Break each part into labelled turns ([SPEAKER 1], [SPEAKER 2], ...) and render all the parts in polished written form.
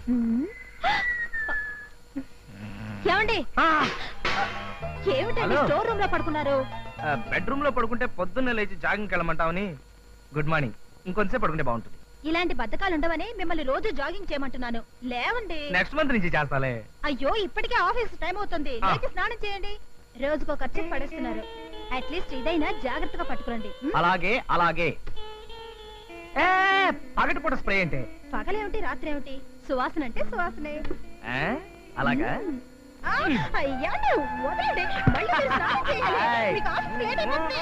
[SPEAKER 1] ఏమండి ఏమిటండి store room లో పడుకున్నారు?
[SPEAKER 2] బెడ్రూమ్ లో పడుకుంటే పొద్దున్నే లేచి జాగింగ్కి వెళ్ళమంటావని. Good morning. ఇంకొంచెం పడుకుంటే బాగుంటుంది.
[SPEAKER 1] ఇలాంటి బద్ధకాలు ఉండవని మిమ్మల్ని రోజు జాగింగ్ చేయమంటున్నాను. లేవండి.
[SPEAKER 2] నెక్స్ట్ మంత్ నుంచి చేస్తాలే.
[SPEAKER 1] అయ్యో ఇప్పటికే ఆఫీస్ టైం అవుతుంది. లేచి స్నానం చేయండి. రోజుకో ఖర్చు పడేస్తున్నారు. అట్లీస్ట్ ఇదైనా జాగ్రత్తగా పట్టుకోండి.
[SPEAKER 2] అలాగే అలాగే. పగటిపూట స్ప్రే అంటే
[SPEAKER 1] పగలేమిటి రాత్రి ఏమిటి? సువాసన అంటే సువాసనే.
[SPEAKER 2] అలాగా?
[SPEAKER 1] అయ్యా వదలండి. మళ్ళీ మీరు స్నానం చేయాలి. మీకు ఆఫీస్ లేట్ అయిపోతుంది.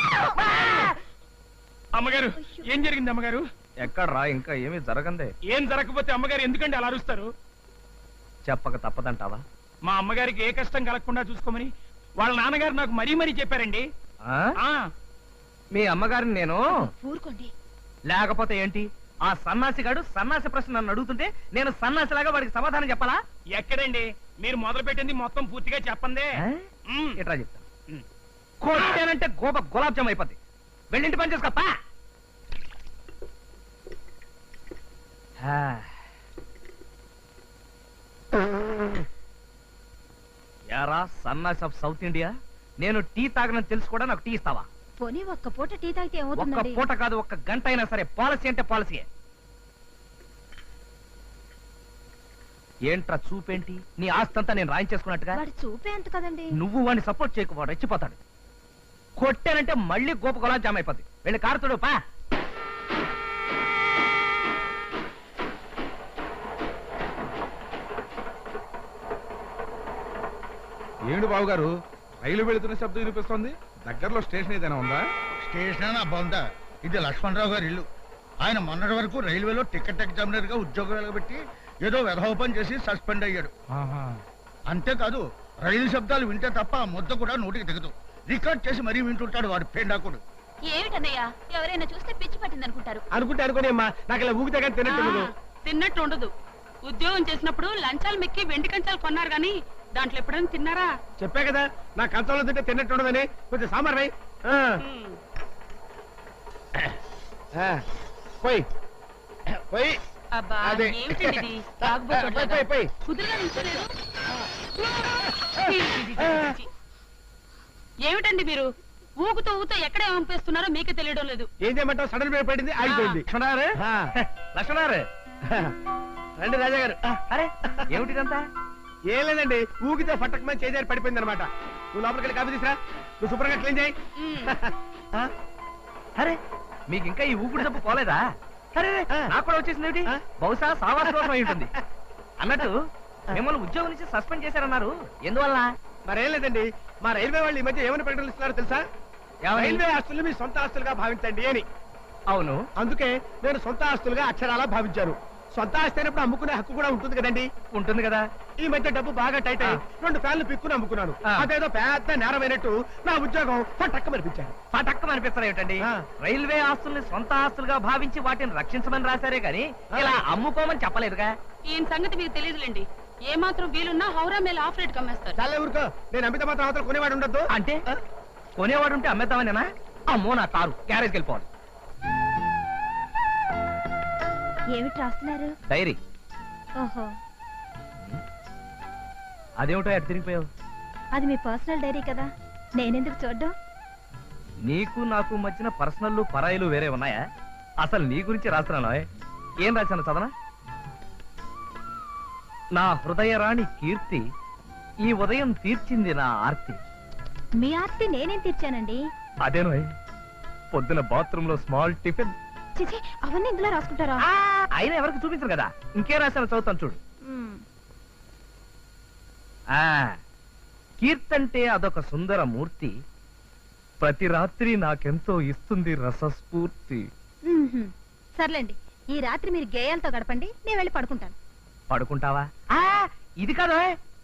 [SPEAKER 3] అమ్మగారు ఏం జరిగింది అమ్మగారు?
[SPEAKER 2] ఎక్కడ్రా? ఇంకా ఏమీ జరగందే.
[SPEAKER 3] ఏం జరగకపోతే అమ్మగారు ఎందుకంటే అలా అరుస్తారు?
[SPEAKER 2] చెప్పక తప్పదంటావా?
[SPEAKER 3] మా అమ్మగారికి ఏ కష్టం కలగకుండా చూసుకోమని వాళ్ళ నాన్నగారు నాకు మరీ మరీ చెప్పారండి.
[SPEAKER 2] మీ అమ్మగారిని నేను
[SPEAKER 1] ఊరుకోండి.
[SPEAKER 2] లేకపోతే ఏంటి? ఆ సన్నాసిగాడు సన్నాసి ప్రశ్న నన్ను అడుగుతుంటే నేను సన్నాసిలాగా వాడికి సమాధానం చెప్పాలా?
[SPEAKER 3] ఎక్కడండి? మీరు మొదలు పెట్టింది మొత్తం పూర్తిగా చెప్పందే.
[SPEAKER 2] ఎట్లా చెప్తాను? కొట్టానంటే గులాబ్ జామ్ అయిపోద్ది. వెళ్ళింటి పని చేసుకోపా. యారా సన్నాసి ఆఫ్ సౌత్ ఇండియా, నేను టీ తాగనని తెలుసు కూడా నాకు టీ ఇస్తావా?
[SPEAKER 1] పోనీ ఒక్క పూట టీ తాగితే ఏమవుతుంది?
[SPEAKER 2] ఒక్క పూట కాదు, ఒక్క గంట అయినా సరే. పాలసీ అంటే పాలసీయే. ఏంట్రా చూపేంటి? నీ ఆస్తంతా నేను రాయించేసుకున్నట్టుగా.
[SPEAKER 1] వాడి చూపే అంత కదండి.
[SPEAKER 2] నువ్వు వాడిని సపోర్ట్ చేయకు, వాడు రెచ్చిపోతాడు. కొట్టానంటే మళ్ళీ గోప గులాబ్ జామ్ అయిపోద్ది. వెళ్ళి కారుతుడు పా.
[SPEAKER 4] ఏమిటి బాబు గారు, రైలు వెళుతున్న శబ్దం వినిపిస్తోంది? దగ్గరలో స్టేషన్ ఏదైనా ఉందా?
[SPEAKER 5] స్టేషన్ అబ్బా, ఇది లక్ష్మణరావు గారి ఇల్లు. ఆయన మొన్నటి వరకు రైల్వేలో టికెట్ ఎగ్జామినర్ గా ఉద్యోగం వెలగబెట్టి ఏదో వెధోపం చేసి సస్పెండ్ అయ్యాడు. అంతేకాదు రైలు శబ్దాలు వింటే తప్ప ఆ ముద్ద కూడా నోటికి దిగదు. రికార్డ్ చేసి మరీ వింటుంటాడు వాడు పేండాకుడు.
[SPEAKER 1] ఏమిటన్నయ్యా, ఎవరైనా చూస్తే పిచ్చి పట్టింది అనుకుంటారు.
[SPEAKER 3] అనుకుంటే అనుకోని అమ్మా, నాకు ఇలా ఊగితే కానీ
[SPEAKER 6] తిన్నట్టు ఉండదు. ఉద్యోగం చేసినప్పుడు లంచాలు మెక్కి వెండి కంచాలు కొన్నారు గాని దాంట్లో ఎప్పుడైనా తిన్నారా?
[SPEAKER 3] చెప్పా కదా, నా కంచంలో తింటే తిన్నట్టు ఉండదని. కొంచెం సాంబార్ రై. పోయి పోయి
[SPEAKER 6] అబ్బా
[SPEAKER 3] అదే.
[SPEAKER 6] ఏమిటండి ఇది? కుదురుగా నిల్చోలేదు. ఏమిటండి మీరు ఊగుతూ ఊగుతూ ఎక్కడ పంపిస్తున్నారో మీకే తెలియడం లేదు.
[SPEAKER 3] ఏం చేయమంటావు? సడన్ బ్రేక్ పడింది, ఆగిపోయింది. లక్ష్మణారు లక్ష్మణారు రండి రాజా గారు.
[SPEAKER 2] అరే ఏమిటిదంతా?
[SPEAKER 3] ఏం లేదండి, ఊగితే ఫట్టకమని చేజారి పడిపోయింది అనమాట. నువ్వు లోపలికి వెళ్ళి కాఫీ తీసురా. నువ్వు శుభ్రంగా క్లీన్ చేయి.
[SPEAKER 2] అరే మీకు ఇంకా ఈ ఊపిరి తప్పు పోలేదా? అరే నాకు కూడా వచ్చేసింది. బహుశా సావాస దోషం అయి ఉంటుంది. అన్నట్టు మిమ్మల్ని ఉద్యోగం నుంచి సస్పెండ్ చేశారన్నారు, ఎందువల్ల?
[SPEAKER 3] మరేం లేదండి, మా రైల్వే వాళ్ళు ఈ మధ్య ఏమైనా ప్రకటనలు ఇస్తున్నారో తెలుసా? రైల్వే ఆస్తులు మీ సొంత ఆస్తులుగా భావించండి అని.
[SPEAKER 2] అవును,
[SPEAKER 3] అందుకే నేను సొంత ఆస్తులుగా అక్షరాలా భావించాను. సొంత ఆస్తి అయినప్పుడు అమ్ముకునే హక్కు కూడా ఉంటుంది కదండి.
[SPEAKER 2] ఉంటుంది కదా.
[SPEAKER 3] ఈ మధ్య డబ్బు బాగా టైట్ అయ్యి 2 ఫ్యాన్లు పిక్కుని అమ్ముకున్నాను. అదేదో పెద్ద నేరమైనట్టు నా ఉద్యోగం పటక్కమనిపించాను.
[SPEAKER 2] పటక్కమనిపిస్తారు ఏమిటండి? రైల్వే ఆస్తుల్ని సొంత ఆస్తులుగా భావించి వాటిని రక్షించమని రాశారే గాని ఇలా అమ్ముకోమని చెప్పలేదుగా.
[SPEAKER 6] ఈయన సంగతి మీకు తెలియదులేండి. ఏ మాత్రం వీలున్నా హౌరా మేల ఆఫ్ రేట్ కమ్మేస్తారు.
[SPEAKER 3] చాలా ఊరుకో, నేను అమిత మాత్రం అవతల కొనేవాడు ఉండద్దు.
[SPEAKER 2] అంటే కొనేవాడు ఉంటే అమ్మేద్దామనేనా? అమ్మో నా కారు, గ్యారేజ్కి వెళ్ళిపోవాలి.
[SPEAKER 1] ఏమిటి రాస్తున్నారు?
[SPEAKER 2] డైరీ.
[SPEAKER 1] ఓహో,
[SPEAKER 2] అదేమిటో ఎటు తిరిగిపోయావు?
[SPEAKER 1] అది మీ పర్సనల్ డైరీ కదా, నేనెందుకు చూడ్డం?
[SPEAKER 2] నీకు నాకు మధ్యన పర్సనల్ పరాయిలు వేరే ఉన్నాయా? అసలు నీ గురించి రాస్తున్నాను. ఏం రాశాను చదవనా? నా హృదయరాణి కీర్తి ఈ ఉదయం తీర్చింది నా ఆర్తి.
[SPEAKER 1] మీ ఆర్తి నేనేం తీర్చానండి?
[SPEAKER 2] అదేనో పొద్దున బాత్రూమ్ లో స్మాల్ టిఫిన్.
[SPEAKER 1] చిచి, అవన్నీ ఇందులో రాసుకుంటారా?
[SPEAKER 2] అయినా ఎవరికి చూపించరు కదా. ఇంకే రాశాను, చదువుతాను చూడు. కీర్తంటే అదొక సుందర మూర్తి, ప్రతి రాత్రి నాకెంతో ఇస్తుంది రసస్ఫూర్తి.
[SPEAKER 1] సర్లేండి, ఈ రాత్రి మీరు గేయాలతో గడపండి, నేను వెళ్ళి పడుకుంటాను.
[SPEAKER 2] పడుకుంటావా? ఇది కాదు,